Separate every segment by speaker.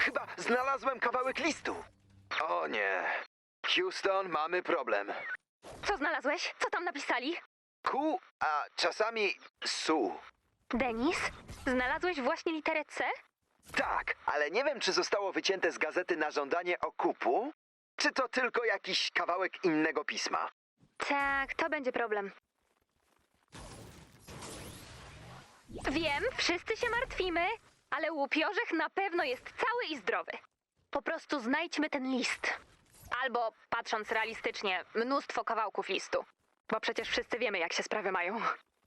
Speaker 1: Chyba znalazłem kawałek listu. O nie. Houston, mamy problem.
Speaker 2: Co znalazłeś? Co tam napisali?
Speaker 1: Ku, a czasami su.
Speaker 2: Denis? Znalazłeś właśnie literę C?
Speaker 1: Tak, ale nie wiem, czy zostało wycięte z gazety na żądanie okupu, czy to tylko jakiś kawałek innego pisma.
Speaker 2: Tak, to będzie problem. Wiem, wszyscy się martwimy, ale łupiorzech na pewno jest cały i zdrowy. Po prostu znajdźmy ten list. Albo, patrząc realistycznie, mnóstwo kawałków listu. Bo przecież wszyscy wiemy, jak się sprawy mają.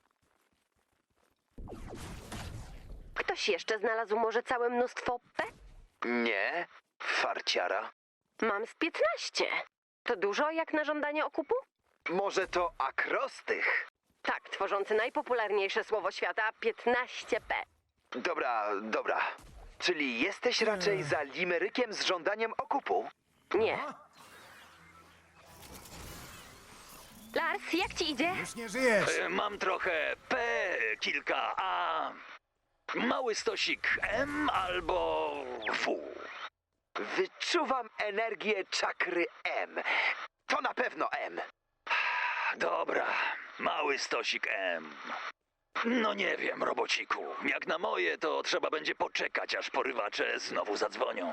Speaker 3: Ktoś jeszcze znalazł może całe mnóstwo P?
Speaker 1: Nie, farciara.
Speaker 3: Mam z 15. To dużo jak na żądanie okupu?
Speaker 1: Może to akrostych?
Speaker 3: Tak, tworzący najpopularniejsze słowo świata 15P.
Speaker 1: Dobra. Czyli jesteś raczej za limerykiem z żądaniem okupu?
Speaker 3: Nie.
Speaker 2: Lars, jak ci idzie?
Speaker 4: Już nie żyjesz!
Speaker 5: Mam trochę P, kilka A, mały stosik M albo W.
Speaker 1: Wyczuwam energię czakry M. To na pewno M.
Speaker 5: Dobra, mały stosik M. No nie wiem, robociku. Jak na moje, to trzeba będzie poczekać, aż porywacze znowu zadzwonią.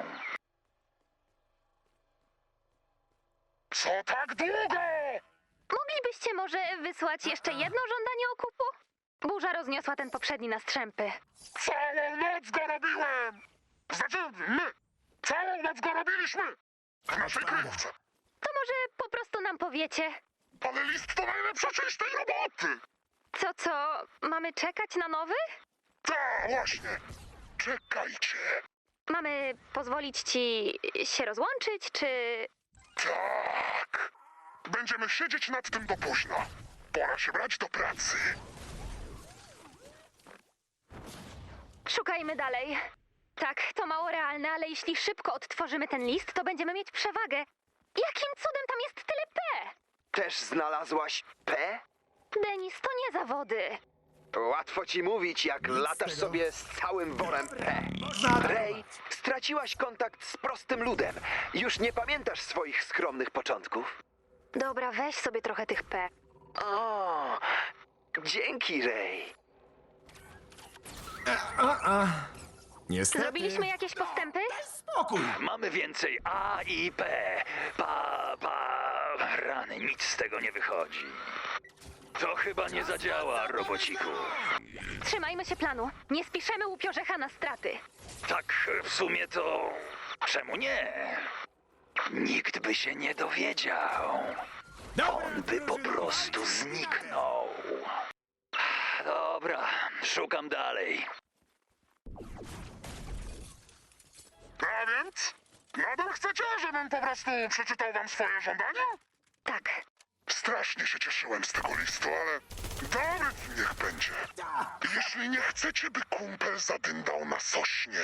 Speaker 6: Co tak długo?
Speaker 2: Moglibyście może wysłać jeszcze jedno żądanie okupu? Burza rozniosła ten poprzedni na strzępy.
Speaker 6: Całą noc go robiłem! Znaczy, my! Całą noc go robiliśmy! W naszej kryjówce!
Speaker 2: To może po prostu nam powiecie.
Speaker 6: Ale list to najlepsza część tej roboty!
Speaker 2: Co? Mamy czekać na nowy?
Speaker 6: Tak, właśnie! Czekajcie!
Speaker 2: Mamy pozwolić ci się rozłączyć, czy...
Speaker 6: Tak! Będziemy siedzieć nad tym do późna. Pora się brać do pracy.
Speaker 2: Szukajmy dalej. Tak, to mało realne, ale jeśli szybko odtworzymy ten list, to będziemy mieć przewagę. Jakim cudem tam jest tyle P?
Speaker 1: Też znalazłaś P?
Speaker 2: Denis, to nie zawody.
Speaker 1: Łatwo ci mówić, jak
Speaker 4: Nic z
Speaker 1: latasz
Speaker 4: tego.
Speaker 1: sobie z całym worem P.
Speaker 4: Można
Speaker 1: Ray, straciłaś kontakt z prostym ludem. Już nie pamiętasz swoich skromnych początków?
Speaker 2: Dobra, weź sobie trochę tych P.
Speaker 1: O, dzięki, Ray.
Speaker 4: Niestety.
Speaker 2: Zrobiliśmy jakieś postępy?
Speaker 4: Spokój!
Speaker 5: Mamy więcej A i P. Rany, nic z tego nie wychodzi. To chyba nie zadziała, robociku.
Speaker 2: Trzymajmy się planu. Nie spiszemy łupiorzecha na straty.
Speaker 5: Tak, w sumie to... Czemu nie? Nikt by się nie dowiedział. On by po prostu zniknął. Dobra, szukam dalej.
Speaker 6: A więc? Nadal chcecie, żebym po prostu przeczytał wam swoje żądania?
Speaker 2: Tak.
Speaker 6: Strasznie się cieszyłem z tego listu, ale dobry niech będzie. Jeśli nie chcecie, by kumpel zadyndał na sośnie,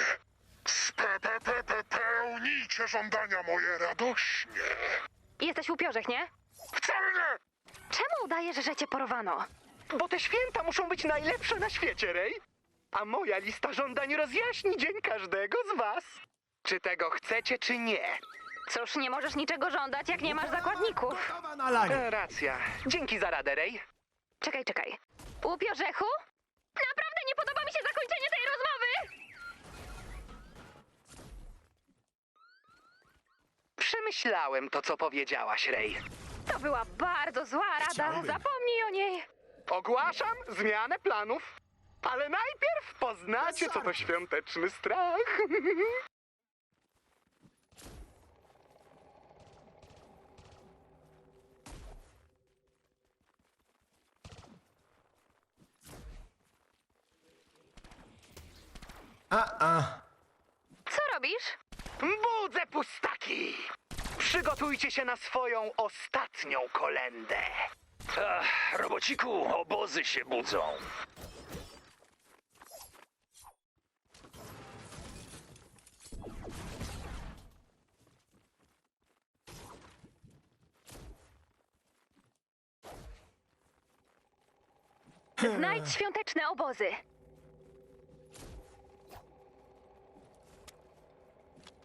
Speaker 6: spełnijcie żądania moje radośnie.
Speaker 2: Jesteś łupiorzech, nie?
Speaker 6: Wcale nie!
Speaker 2: Czemu udajesz, że cię porwano?
Speaker 7: Bo te święta muszą być najlepsze na świecie, Ray. A moja lista żądań rozjaśni dzień każdego z was. Czy tego chcecie, czy nie?
Speaker 2: Cóż, nie możesz niczego żądać, jak nie masz zakładników.
Speaker 4: Gotowa na lanie.
Speaker 7: Racja. Dzięki za radę, Ray.
Speaker 2: Czekaj. Łupiożechu? Naprawdę nie podoba mi się zakończenie tej rozmowy!
Speaker 7: Przemyślałem to, co powiedziałaś, Ray.
Speaker 2: To była bardzo zła rada.
Speaker 4: Chciałbym.
Speaker 2: Zapomnij o niej.
Speaker 7: Ogłaszam zmianę planów. Ale najpierw poznacie, co to świąteczny strach.
Speaker 2: Co robisz?
Speaker 7: Budzę pustaki! Przygotujcie się na swoją ostatnią kolędę.
Speaker 5: Robociku, obozy się budzą.
Speaker 2: Znajdź świąteczne obozy.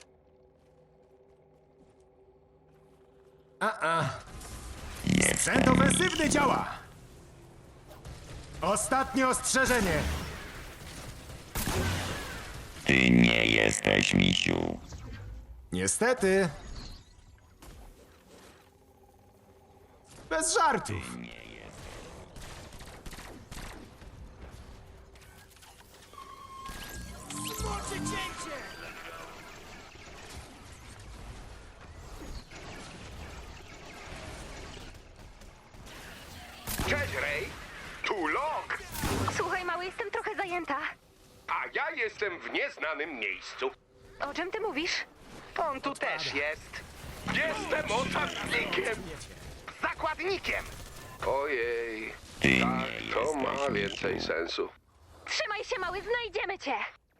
Speaker 4: Sprzęt ofensywny działa! Ostatnie ostrzeżenie!
Speaker 8: Ty nie jesteś misiu.
Speaker 4: Niestety. Bez żartów.
Speaker 9: Cześć, Ray. Tu Lok,
Speaker 2: Słuchaj, mały, jestem trochę zajęta.
Speaker 9: a ja jestem w nieznanym miejscu.
Speaker 2: O czym ty mówisz?
Speaker 7: On tu też jest.
Speaker 9: Jestem oczarnikiem.
Speaker 7: Zakładnikiem.
Speaker 9: Ojej,
Speaker 8: Ty nie
Speaker 9: tak, to ma
Speaker 8: jesteś
Speaker 9: więcej
Speaker 8: misiu.
Speaker 9: sensu.
Speaker 2: Trzymaj się, mały, znajdziemy cię.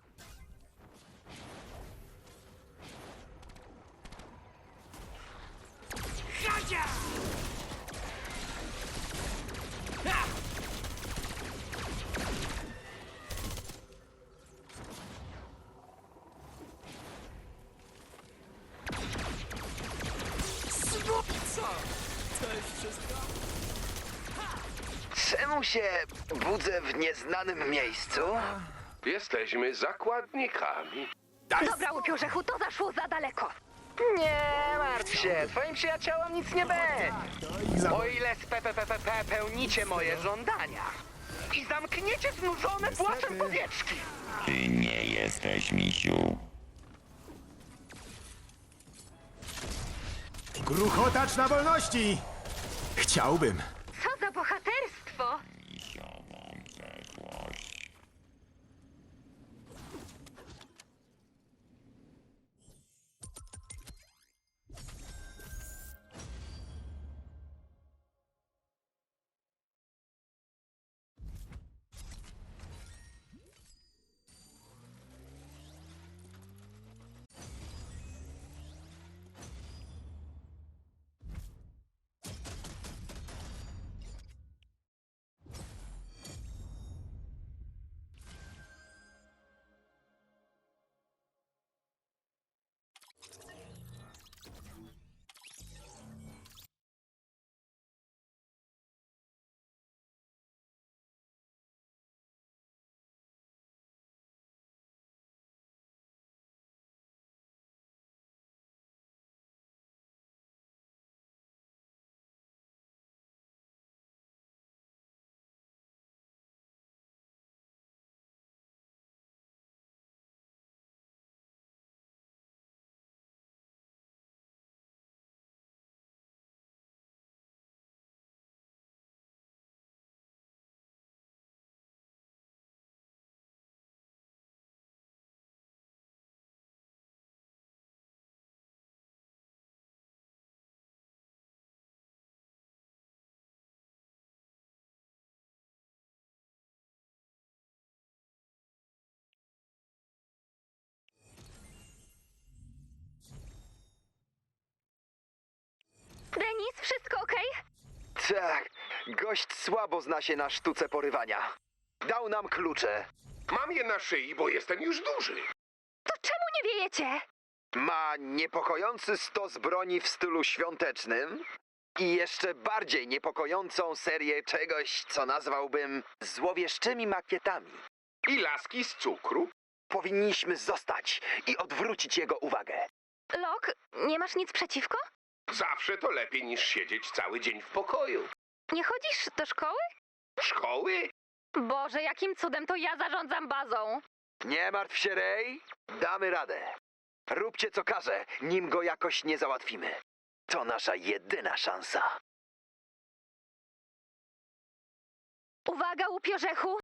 Speaker 1: Czemu się budzę w nieznanym miejscu?
Speaker 9: Jesteśmy zakładnikami.
Speaker 2: Dobra, upiorzechu, to zaszło za daleko.
Speaker 7: Nie martw się, twoim przyjaciołom nic nie będzie. O ile spełnicie moje żądania i zamkniecie znużone płaczem powieczki.
Speaker 8: Ty nie jesteś misiu.
Speaker 4: Gruchotacz na wolności! Chciałbym.
Speaker 2: Co za bohaterstwo!
Speaker 8: Misiową przeszłość.
Speaker 2: Denis, wszystko okej?
Speaker 1: Tak, gość słabo zna się na sztuce porywania. Dał nam klucze.
Speaker 9: Mam je na szyi, bo jestem już duży.
Speaker 2: To czemu nie wiejecie?
Speaker 1: Ma niepokojący stos broni w stylu świątecznym i jeszcze bardziej niepokojącą serię czegoś, co nazwałbym złowieszczymi makietami.
Speaker 9: I laski z cukru.
Speaker 1: Powinniśmy zostać i odwrócić jego uwagę.
Speaker 2: Lok, nie masz nic przeciwko?
Speaker 9: Zawsze to lepiej niż siedzieć cały dzień w pokoju.
Speaker 2: Nie chodzisz do szkoły?
Speaker 9: Szkoły?
Speaker 2: Boże, jakim cudem to ja zarządzam bazą?
Speaker 1: Nie martw się, Ray. Damy radę. Róbcie co każe, nim go jakoś nie załatwimy. To nasza jedyna szansa.
Speaker 2: Uwaga, upiorzechu!